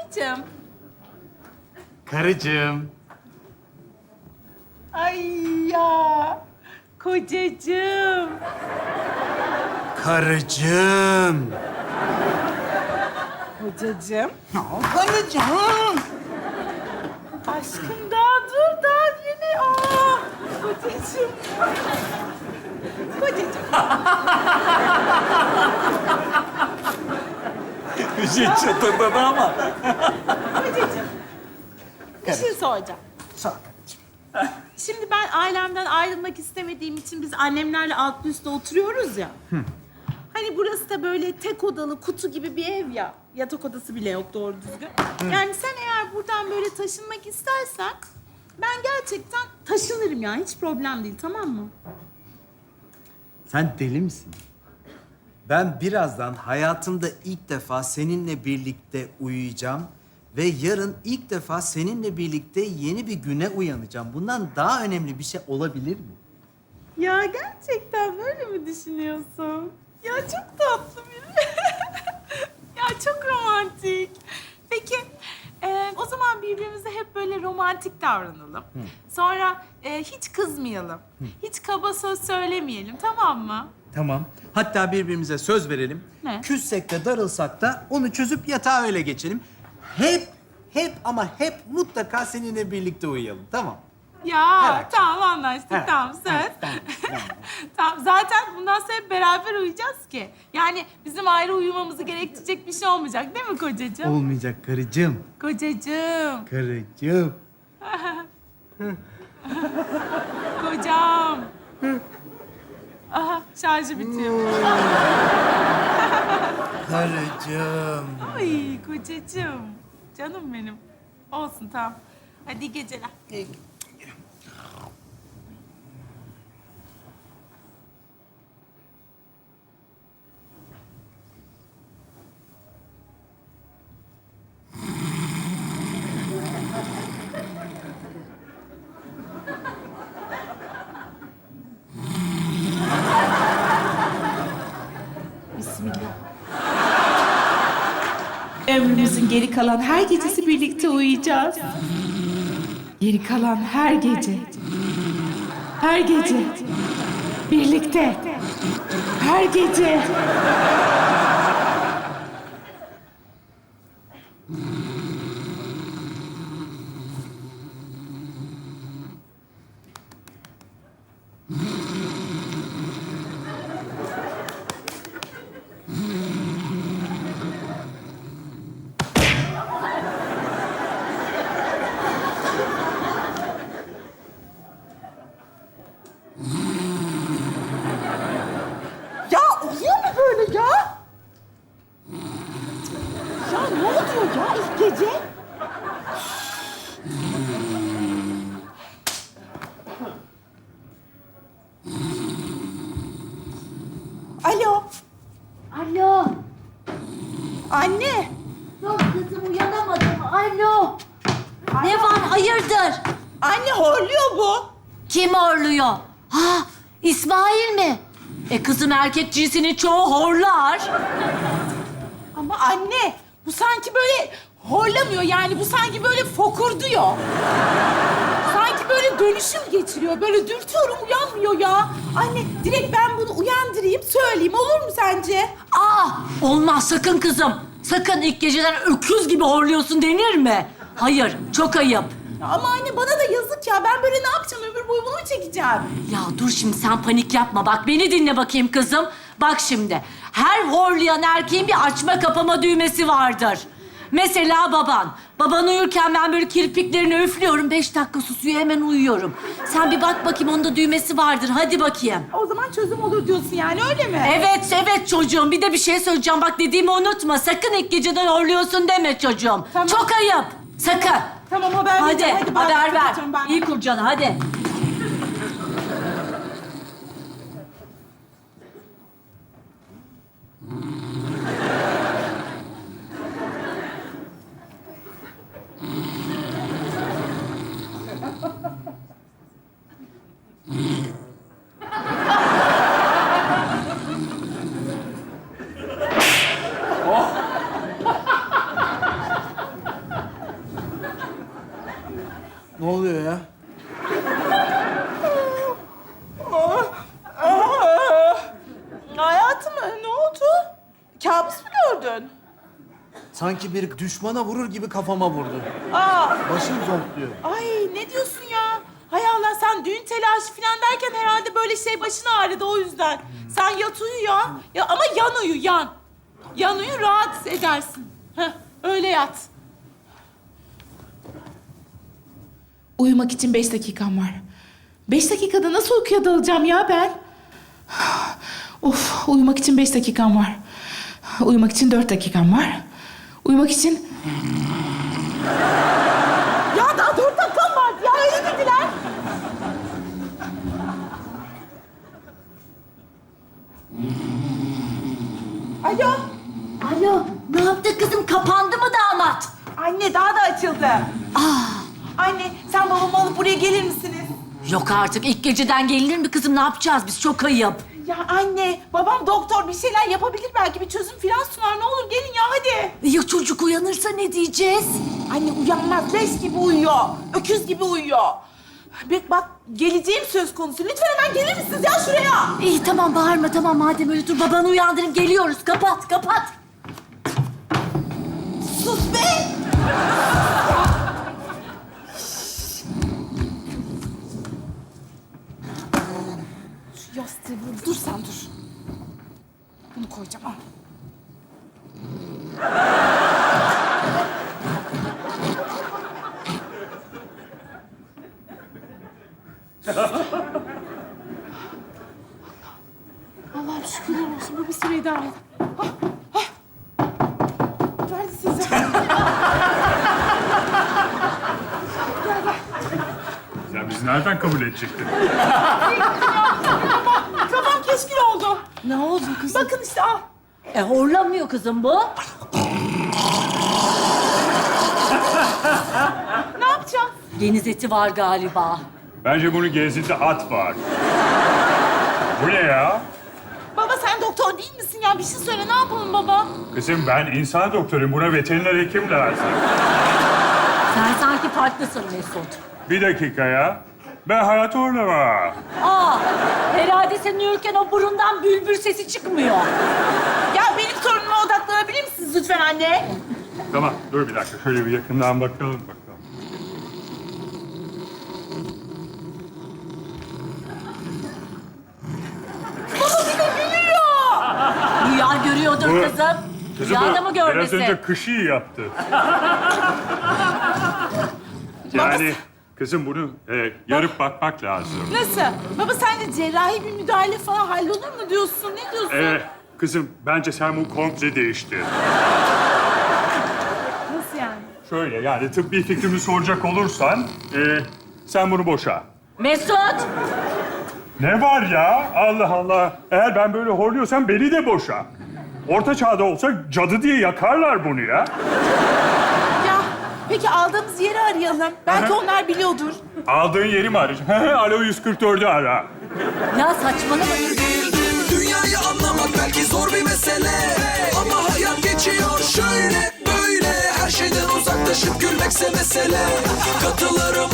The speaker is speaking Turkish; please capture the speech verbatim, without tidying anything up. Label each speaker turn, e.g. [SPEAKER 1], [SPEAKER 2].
[SPEAKER 1] kocacığım.
[SPEAKER 2] Karıcığım.
[SPEAKER 1] Ay ya. Kocacığım.
[SPEAKER 2] Karıcığım.
[SPEAKER 1] Kocacığım.
[SPEAKER 2] Karıcığım.
[SPEAKER 1] Aşkım daha dur daha yeni. Aa, kocacığım. Kocacığım.
[SPEAKER 2] Bir şey çatırdadı ama.
[SPEAKER 1] Kocacığım. Bir şey soracağım.
[SPEAKER 2] Sağ ol karıcığım.
[SPEAKER 1] Şimdi ben ailemden ayrılmak istemediğim için biz annemlerle altlı üstte oturuyoruz ya. Hani burası da böyle tek odalı kutu gibi bir ev ya. Yatak odası bile yok doğru düzgün. Yani sen eğer buradan böyle taşınmak istersen ben gerçekten taşınırım ya. Hiç problem değil, tamam mı?
[SPEAKER 2] Sen deli misin? Ben birazdan hayatımda ilk defa seninle birlikte uyuyacağım ve yarın ilk defa seninle birlikte yeni bir güne uyanacağım. Bundan daha önemli bir şey olabilir mi?
[SPEAKER 1] Ya gerçekten böyle mi düşünüyorsun? Ya çok tatlı biri. Ya çok romantik. Peki e, o zaman birbirimize hep böyle romantik davranalım. Sonra e, hiç kızmayalım. Hiç kaba söz söylemeyelim, tamam mı?
[SPEAKER 2] Tamam. Hatta birbirimize söz verelim.
[SPEAKER 1] Ne?
[SPEAKER 2] Küssek de darılsak da onu çözüp yatağa öyle geçelim. Hep, hep ama hep mutlaka seninle birlikte uyuyalım. Tamam.
[SPEAKER 1] Ya
[SPEAKER 2] Evet.
[SPEAKER 1] tamam anlaştık,
[SPEAKER 2] Evet,
[SPEAKER 1] tamam söz.
[SPEAKER 2] evet, tamam, tamam.
[SPEAKER 1] Tamam, zaten bundan sonra hep beraber uyuyacağız ki. Yani bizim ayrı uyumamızı gerektirecek bir şey olmayacak değil mi kocacığım?
[SPEAKER 2] Olmayacak karıcığım.
[SPEAKER 1] Kocacığım,
[SPEAKER 2] Karıcığım.
[SPEAKER 1] kocam. Aha şarjı bitiyor.
[SPEAKER 2] Karıcığım.
[SPEAKER 1] Ay kocacığım. Canım benim. Olsun tamam. Hadi iyi geceler. Bismillah. Ömrümüzün geri kalan her gecesi birlikte uyuyacağız. Geri kalan her gece. Her gece. Birlikte. Her gece.
[SPEAKER 3] Ya oluyor mu böyle ya? Ya ne oluyor ya ilk gece? Alo,
[SPEAKER 4] Alo.
[SPEAKER 3] anne.
[SPEAKER 4] Dur kızım uyanamadım. Alo. Ne var hayırdır?
[SPEAKER 3] Anne horluyor bu.
[SPEAKER 4] Kim horluyor? Ha İsmail mi? E kızım erkek cinsinin çoğu horlar.
[SPEAKER 3] Ama anne, bu sanki böyle horlamıyor yani. Bu sanki böyle fokurduyor. Sanki böyle dönüşüm geçiriyor. Böyle dürtüyorum uyanmıyor ya. Anne direkt ben bunu uyandırayım, söyleyeyim. Olur mu sence?
[SPEAKER 4] Aa olmaz sakın kızım. Sakın ilk geceden öküz gibi horluyorsun denir mi? Hayır çok ayıp.
[SPEAKER 3] Ama anne bana da yazık ya. Ben böyle ne yapacağım? Ömür boyu bunu mu çekeceğim?
[SPEAKER 4] Ya dur şimdi sen panik yapma. Bak beni dinle bakayım kızım. Bak şimdi. Her horlayan erkeğin bir açma kapama düğmesi vardır. Mesela baban. Baban uyurken ben böyle kirpiklerini üflüyorum. Beş dakika susuyor hemen uyuyorum. Sen bir bak bakayım onda düğmesi vardır. Hadi bakayım.
[SPEAKER 3] O zaman çözüm olur diyorsun yani öyle mi?
[SPEAKER 4] Evet, evet çocuğum. Bir de bir şey söyleyeceğim. Bak dediğimi unutma. Sakın ilk geceden horluyorsun deme çocuğum.
[SPEAKER 3] Tamam.
[SPEAKER 4] Çok ayıp. Sakın.
[SPEAKER 3] Tamam haber
[SPEAKER 4] Hadi,
[SPEAKER 3] vereceğim. Hadi ben
[SPEAKER 4] haber ver.
[SPEAKER 3] kapatıyorum ben.
[SPEAKER 4] İyi kur canı, hadi.
[SPEAKER 2] Ne oluyor ya?
[SPEAKER 3] Hayatım ne oldu? Kabus mu gördün?
[SPEAKER 2] Sanki bir düşmana vurur gibi kafama vurdu.
[SPEAKER 3] Aa,
[SPEAKER 2] Başım zonkluyor.
[SPEAKER 3] ay ne diyorsun ya? Hay Allah sen düğün telaşı falan derken herhalde böyle şey başına ağrıdı o yüzden. Sen yat uyu ya. Ya ama yan uyu yan. Yan uyu rahat edersin. Heh, öyle yat. Uyumak için beş dakikam var. Beş dakikada nasıl uykuya dalacağım ya ben? Of, uyumak için beş dakikam var. Uyumak için dört dakikam var. Uyumak için... Ya daha dört dakikam var. Ya öyle dediler. Alo.
[SPEAKER 4] Alo, ne yaptı kızım? Kapandı mı damat?
[SPEAKER 3] Anne daha da açıldı.
[SPEAKER 4] Aa,
[SPEAKER 3] Anne sen babamı alıp buraya gelir misiniz?
[SPEAKER 4] yok artık. İlk geceden gelinir mi kızım? Ne yapacağız biz? Çok ayıp.
[SPEAKER 3] Ya anne babam doktor bir şeyler yapabilir belki bir çözüm falan sunar. Ne olur gelin ya hadi.
[SPEAKER 4] Ya çocuk uyanırsa ne diyeceğiz?
[SPEAKER 3] Anne uyanmaz leş gibi uyuyor. Öküz gibi uyuyor. Bak bak geleceğim söz konusu. Lütfen hemen gelir misiniz ya şuraya?
[SPEAKER 4] İyi tamam bağırma tamam madem öyle dur babanı uyandırın geliyoruz. Kapat kapat.
[SPEAKER 3] Sus be! Şu yastığı vur. Dur sen dur. Bunu koyacağım al. Allah'ım şükürler olsun. Bu bir süre idare et. Ah, ah. Neredesiniz ya?
[SPEAKER 5] Ya bizi nereden kabul edecektin?
[SPEAKER 3] Kafam keşkil oldu.
[SPEAKER 4] Ne oldu kızım?
[SPEAKER 3] Bakın işte al.
[SPEAKER 4] E horlamıyor kızım bu.
[SPEAKER 3] Ne yapacağım?
[SPEAKER 4] Deniz eti var galiba.
[SPEAKER 5] Bence bunun gezinde at var. Bu ne ya?
[SPEAKER 3] Baba sen doktor değil misin ya? Bir şey söyle ne yapalım baba?
[SPEAKER 5] Kızım ben insan doktoruyum. Buna veteriner hekim lazım.
[SPEAKER 4] Sen sanki farklısın Mesut.
[SPEAKER 5] Bir dakika ya. Ben hayat horlama.
[SPEAKER 4] Aa, herhalde sen uyurken o burundan bülbül sesi çıkmıyor.
[SPEAKER 3] Ya benim sorunuma odaklanabilir misiniz lütfen anne?
[SPEAKER 5] Tamam dur bir dakika. Şöyle bir yakından bakalım bakalım.
[SPEAKER 4] Rüya görüyordur
[SPEAKER 5] Bu-
[SPEAKER 4] kızım.
[SPEAKER 5] Kızım
[SPEAKER 4] Rüyada
[SPEAKER 5] bu
[SPEAKER 4] mı
[SPEAKER 5] biraz
[SPEAKER 4] görmesi?
[SPEAKER 5] önce kışı yaptı. Yani kızım bunu e, yarıp bakmak lazım.
[SPEAKER 3] Nasıl? Baba sen de cerrahi bir müdahale falan hallolur mu diyorsun? Ne diyorsun?
[SPEAKER 5] E, kızım bence sen bunu komple değiştir.
[SPEAKER 3] Nasıl yani?
[SPEAKER 5] Şöyle yani tıbbi fikrimi soracak olursan e, sen bunu boşa.
[SPEAKER 4] Mesut!
[SPEAKER 5] Ne var ya? Allah Allah. Eğer ben böyle horluyorsam beni de boşa. Orta çağda olsa cadı diye yakarlar bunu ya.
[SPEAKER 3] Ya peki aldığımız yeri arayalım. Belki
[SPEAKER 5] Hı hı.
[SPEAKER 3] onlar biliyordur.
[SPEAKER 5] Aldığın yeri mi arayacaksın? Alo yüz kırk dördü ara.
[SPEAKER 4] Ya saçmalama.
[SPEAKER 6] Dünyayı anlamak belki zor bir mesele, ama hayat geçiyor şöyle böyle. Her şeyden uzaklaşıp gülmekse mesele. Katılırım